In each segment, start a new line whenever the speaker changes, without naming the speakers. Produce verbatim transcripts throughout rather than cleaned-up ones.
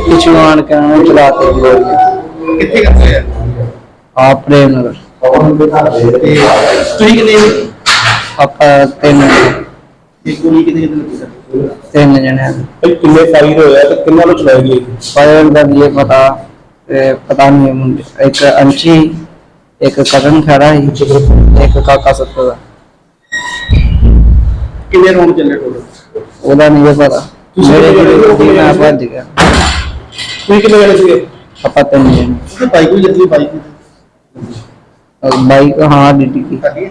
पिछू आन के उन्होंने चलाते गोलियां।
कितने करते हैं
आप प्रेम नगर
ਤੁਸੀਂ ਕਿੰਨੇ
आप तीन
ਇੱਕ ਗੋਲੀ ਕਿਤੇ ਕਿਤੇ ਲੱਗੀ ਸਰ
तीन जने
भाई किन्ने फायर होया ते किन्ना नु चलाई गई
फायर का ये पता ए, पता नहीं है मुझे। एक अंशी एक करण खड़ा है एक काका सत्ता का
ਕਿੰਨੇ ਰੌਂਡ ਚੱਲੇ ਟੋਟਲ
ਉਹਦਾ ਨਹੀਂ ਇਹ ਪਤਾ। ਮੇਰੇ ਕੋਲ ਮੈਂ ਭੱਜ ਗਿਆ।
ਤੁਸੀਂ ਕਿੰਨੇ ਜਣੇ ਸੀਗੇ
ਆਪਾਂ ਤਿੰਨ ਜਣੇ
ਤੇ ਬਾਈਕ ਵੀ ਲੱਗੀ ਬਾਈਕ
ਬਾਈਕ ਹਾਂ ਡਿੱਡੀ ਕੀ
ਸਾਡੀ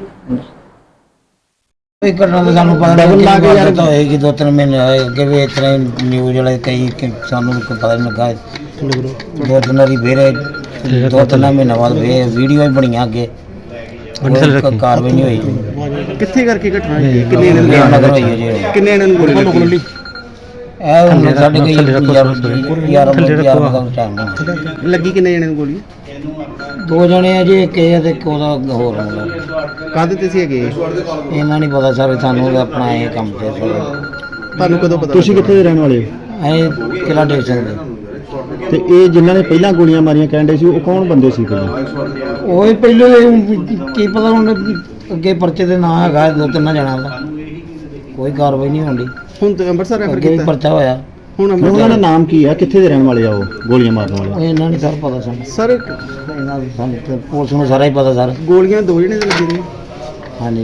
ਇਹ ਘਟਨਾ ਦਾ ਸਾਨੂੰ ਪਤਾ ਨਹੀਂ ਲੱਗ ਯਾਰ ਤਾਂ ਹੋਏਗੀ ਦੋ ਤਿੰਨ ਮਹੀਨੇ ਹੋਏ ਅੱਗੇ ਵੀ ਇਸ ਤਰ੍ਹਾਂ ਨਿਊਜ਼ ਵਾਲੇ ਕਈ ਕਿ ਸਾਨੂੰ ਕੋਈ ਪਤਾ ਨਹੀਂ ਲੱਗਾ ਦੋ ਤਿੰਨ ਵਾਰੀ ਫੇਰ ਦੋ ਤਿੰਨ ਮਹੀਨੇ ਬਾਅਦ ਫੇਰ ਵੀਡੀਓ ਵੀ ਬਣੀਆਂ ਅੱਗੇ ਕੋਈ ਕਾਰਵਾਈ ਨਹੀਂ ਹੋਈ
ਕਿੱਥੇ ਕਰਕੇ ਘਟਨਾ ਹੋਈ ਹੈ? ਕਿੰਨੇ ਜਣੇ
ਪ੍ਰੇਮ ਨਗਰ ਹੋਈ ਹੈ ਜਿਹੜੀ
ਕਿੰਨੇ ਜਣੇ ਨੂੰ ਗੋਲੀ ਲੱਗੀ
ਇਹ ਹੁਣ ਸਾਡੇ ਕੋਈ ਯਾਰ ਯਾਰ ਯਾਰ ਦਾ ਟਾਈਮ ਨਹੀਂ
ਲੱਗੀ ਕਿੰਨੇ ਜਣੇ ਨੂੰ ਗੋਲੀ
ਦੋ ਜਣੇ ਆ ਜੀ ਇੱਕ ਇਹ ਤੇ ਇੱਕ ਉਹਦਾ ਹੋਰ ਮੁੰਡਾ
ਕਾਹਦੇ ਤੇ ਸੀ ਹੈਗੇ
ਇਹਨਾਂ ਨਹੀਂ ਪਤਾ ਸਰ ਸਾਨੂੰ ਉਹਦਾ ਆਪਣਾ ਇਹ ਕੰਮ ਤੇ
ਤੁਹਾਨੂੰ ਕਦੋਂ ਪਤਾ
ਤੁਸੀਂ ਕਿੱਥੇ ਦੇ ਰਹਿਣ ਵਾਲੇ ਹੋ
ਇਹ ਕਿਹੜਾ ਦੇ ਸਕਦੇ
ਤੇ ਇਹ ਜਿਨ੍ਹਾਂ ਨੇ ਪਹਿਲਾਂ ਗੋਲੀਆਂ ਮਾਰੀਆਂ ਕਹਿੰਦੇ ਸੀ ਉਹ ਕੌਣ ਬੰਦੇ ਸੀ ਪਹਿਲਾਂ
ਉਹ ਹੀ ਪਹਿਲੇ ਕੀ ਪਤਾ ਹੁਣ ਅੱਗੇ ਪਰਚੇ ਦੇ ਨਾਂ ਹੈਗਾ ਦੋ ਤਿੰਨ ਜਣਾ ਦਾ ਕੋਈ ਕਾਰਵਾਈ ਨਹੀਂ ਹੁੰਦੀ
ਹੁਣ ਤੇ ਅੰਮ੍ਰਿਤਸਰ ਰੈਫਰ
ਅੱਗੇ ਵੀ
ਕੀਤਾ
ਪਰਚਾ ਹੋਇਆ
ਹੁਣ
ਉਹਨਾਂ ਦਾ
ਅੰਮ੍ਰਿਤਸਰ
ਨਾਮ ਕੀ ਆ ਕਿੱਥੇ ਦੇ ਰਹਿਣ ਵਾਲੇ ਆ ਉਹ ਗੋਲੀਆਂ ਮਾਰਨ ਵਾਲੇ
ਉਹ ਇਹਨਾਂ ਨਹੀਂ ਸਰ ਪਤਾ ਸਾਨੂੰ
ਸਰ
ਇਹਨਾਂ ਨੂੰ ਸਾਨੂੰ ਤੇ ਪੁਲਿਸ ਨੂੰ ਸਾਰਾ ਹੀ ਪਤਾ ਸਰ
ਗੋਲੀਆਂ ਦੋ ਜਣੇ ਦੇ ਲੱਗੀ ਰਹੀਆਂ
ਹਾਂਜੀ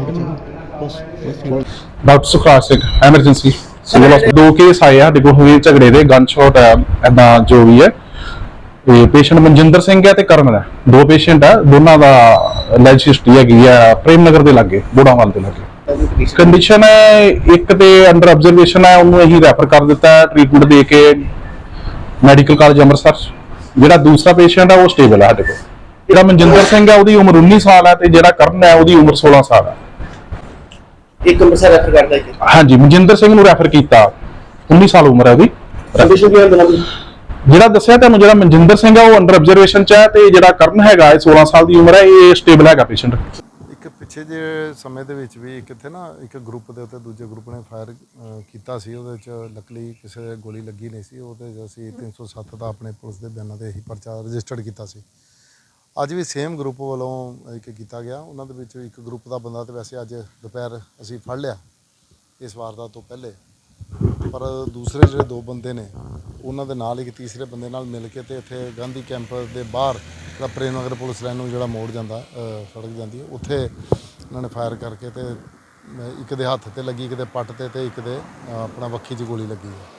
doctor Sukhraj Singh emergency civil ਹਸਪਤਾਲ ਦੋ ਕੇਸ ਆਏ ਆ ਸਾਡੇ ਕੋਲ ਹੋਏ ਝਗੜੇ ਦੇ ਗਨ ਸ਼ਾਟ ਹੈ ਐਦਾਂ ਜੋ ਵੀ ਹੈ ਤੇ ਪੇਸ਼ੈਂਟ ਮਨਜਿੰਦਰ ਸਿੰਘ ਹੈ ਤੇ ਕਰਨ ਹੈ ਦੋ ਪੇਸ਼ੈਂਟ ਆ ਦੋਨਾਂ ਦਾ ਲੈਜ ਹਿਸਟਰੀ ਹੈਗੀ ਆ ਪ੍ਰੇਮ ਨਗਰ ਦੇ ਲਾਗੇ ਬੋੜਾਵਾਲ ਦੇ ਲਾਗੇ ਕੰਡੀਸ਼ਨ ਹੈ ਇੱਕ ਤੇ ਅੰਡਰ ਆਬਜ਼ਰਵੇਸ਼ਨ ਹੈ ਉਹਨੂੰ ਅਸੀਂ ਰੈਫਰ ਕਰ ਦਿੱਤਾ ਹੈ ਟ੍ਰੀਟਮੈਂਟ ਦੇ ਕੇ ਮੈਡੀਕਲ ਕਾਲਜ ਅੰਮ੍ਰਿਤਸਰ ਜਿਹੜਾ ਦੂਸਰਾ ਪੇਸ਼ੈਂਟ ਹੈ ਉਹ ਸਟੇਬਲ ਹੈ ਸਾਡੇ ਕੋਲ ਜਿਹੜਾ ਮਨਜਿੰਦਰ ਸਿੰਘ ਹੈ ਉਹਦੀ ਉਮਰ ਉੱਨੀ ਸਾਲ ਹੈ ਤੇ ਜਿਹੜਾ ਕਰਨ ਹੈ ਉਹਦੀ ਉਮਰ ਸੋਲਾਂ ਸਾਲ ਹੈ
ਇੱਕ ਅੰਮ੍ਰਿਤਸਰ ਰੈਫਰ ਕਰਦਾ ਇੱਕ
ਹਾਂਜੀ ਮਨਜਿੰਦਰ ਸਿੰਘ ਨੂੰ ਰੈਫਰ ਕੀਤਾ ਉੱਨੀ ਸਾਲ ਉਮਰ ਹੈ ਉਹਦੀ
ਕੰਡੀਸ਼ਨ ਕੀ ਹੈ ਦੋਨਾਂ ਦੀ
ਜਿਹੜਾ ਦੱਸਿਆ ਤੁਹਾਨੂੰ ਜਿਹੜਾ ਮਨਜਿੰਦਰ ਸਿੰਘ ਹੈ ਉਹ ਅੰਡਰ ਆਬਜ਼ਰਵੇਸ਼ਨ ਚ ਹੈ ਤੇ ਜਿਹੜਾ ਕਰਨ ਹੈਗਾ ਇਹ ਸੋਲਾਂ ਸਾਲ ਦੀ ਉਮਰ ਹੈ ਇਹ ਸਟੇਬਲ ਹੈਗਾ ਪੇਸ਼ੈਂਟ
ਇੱਕ ਪਿੱਛੇ ਜੇ ਸਮੇਂ ਦੇ ਵਿੱਚ ਵੀ ਕਿੱਥੇ ਨਾ ਇੱਕ ਗਰੁੱਪ ਦੇ ਉੱਤੇ ਦੂਜੇ ਗਰੁੱਪ ਨੇ ਫਾਇਰ ਕੀਤਾ ਸੀ ਉਹਦੇ ਵਿੱਚ ਲੱਕਲੀ ਕਿਸੇ ਦੇ ਗੋਲੀ ਲੱਗੀ ਨਹੀਂ ਸੀ ਉਹਦੇ 'ਚ ਅਸੀਂ ਤਿੰਨ ਸੌ ਸੱਤ ਦਾ ਆਪਣੇ ਪੁਲਿਸ ਦੇ ਬਿਆਨਾਂ ਤੇ ਇਹੀ ਪਰਚਾ ਰਜਿਸਟਰਡ ਕੀਤਾ ਸੀ ਅੱਜ ਵੀ ਸੇਮ ਗਰੁੱਪ ਵੱਲੋਂ ਇੱਕ ਕੀਤਾ ਗਿਆ ਉਹਨਾਂ ਦੇ ਵਿੱਚ ਇੱਕ ਗਰੁੱਪ ਦਾ ਬੰਦਾ ਤੇ ਵੈਸੇ ਅੱਜ ਦੁਪਹਿਰ ਅਸੀਂ ਫੜ ਲਿਆ ਇਸ ਵਾਰਦਾਤ ਤੋਂ ਪਹਿਲੇ ਪਰ ਦੂਸਰੇ ਜਿਹੜੇ ਦੋ ਬੰਦੇ ਨੇ ਉਹਨਾਂ ਦੇ ਨਾਲ ਇੱਕ ਤੀਸਰੇ ਬੰਦੇ ਨਾਲ ਮਿਲ ਕੇ ਤੇ ਇੱਥੇ ਗਾਂਧੀ ਕੈਂਪ ਦੇ ਬਾਹਰ ਜਿਹੜਾ ਪ੍ਰੇਮ ਨਗਰ ਪੁਲਿਸ ਲਾਈਨ ਨੂੰ ਜਿਹੜਾ ਮੋੜ ਜਾਂਦਾ ਸੜਕ ਜਾਂਦੀ ਹੈ ਉੱਥੇ ਇਹਨਾਂ ਨੇ ਫਾਇਰ ਕਰਕੇ ਤੇ ਇੱਕ ਦੇ ਹੱਥ ਤੇ ਲੱਗੀ ਇੱਕ ਦੇ ਪੱਟ ਤੇ ਤੇ ਇੱਕ ਦੇ ਆਪਣਾ ਵੱਖੀ 'ਚ ਗੋਲੀ ਲੱਗੀ ਹੈ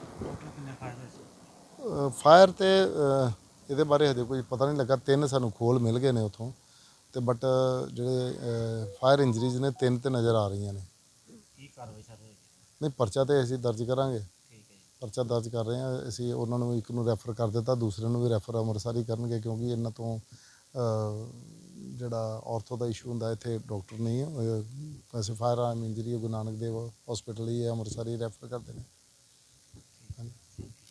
ਫਾਇਰ ਤੇ ਇਹਦੇ ਬਾਰੇ ਹਜੇ ਕੋਈ ਪਤਾ ਨਹੀਂ ਲੱਗਾ ਤਿੰਨ ਸਾਨੂੰ ਖੋਲ ਮਿਲ ਗਏ ਨੇ ਉੱਥੋਂ ਤੇ ਬਟ ਜਿਹੜੇ ਫਾਇਰ ਇੰਜਰੀਜ਼ ਨੇ ਤਿੰਨ ਤੇ ਨਜ਼ਰ ਆ ਰਹੀਆਂ ਨੇ ਨਹੀਂ ਪਰਚਾ ਤੇ ਅਸੀਂ ਦਰਜ ਕਰਾਂਗੇ ਪਰਚਾ ਦਰਜ ਕਰ ਰਹੇ ਹਾਂ ਅਸੀਂ ਉਹਨਾਂ ਨੂੰ ਇੱਕ ਨੂੰ ਰੈਫਰ ਕਰ ਦਿੱਤਾ ਦੂਸਰੇ ਨੂੰ ਵੀ ਰੈਫਰ ਅੰਮ੍ਰਿਤਸਰ ਹੀ ਕਰਨਗੇ ਕਿਉਂਕਿ ਇਹਨਾਂ ਤੋਂ ਜਿਹੜਾ ਔਰਥੋ ਦਾ ਇਸ਼ੂ ਹੁੰਦਾ ਇੱਥੇ ਡਾਕਟਰ ਨਹੀਂ ਹੈ ਵੈਸੇ firearm injury Guru Nanak Dev hospital ਹੀ ਹੈ ਅੰਮ੍ਰਿਤਸਰ ਹੀ ਰੈਫਰ ਕਰਦੇ ਨੇ।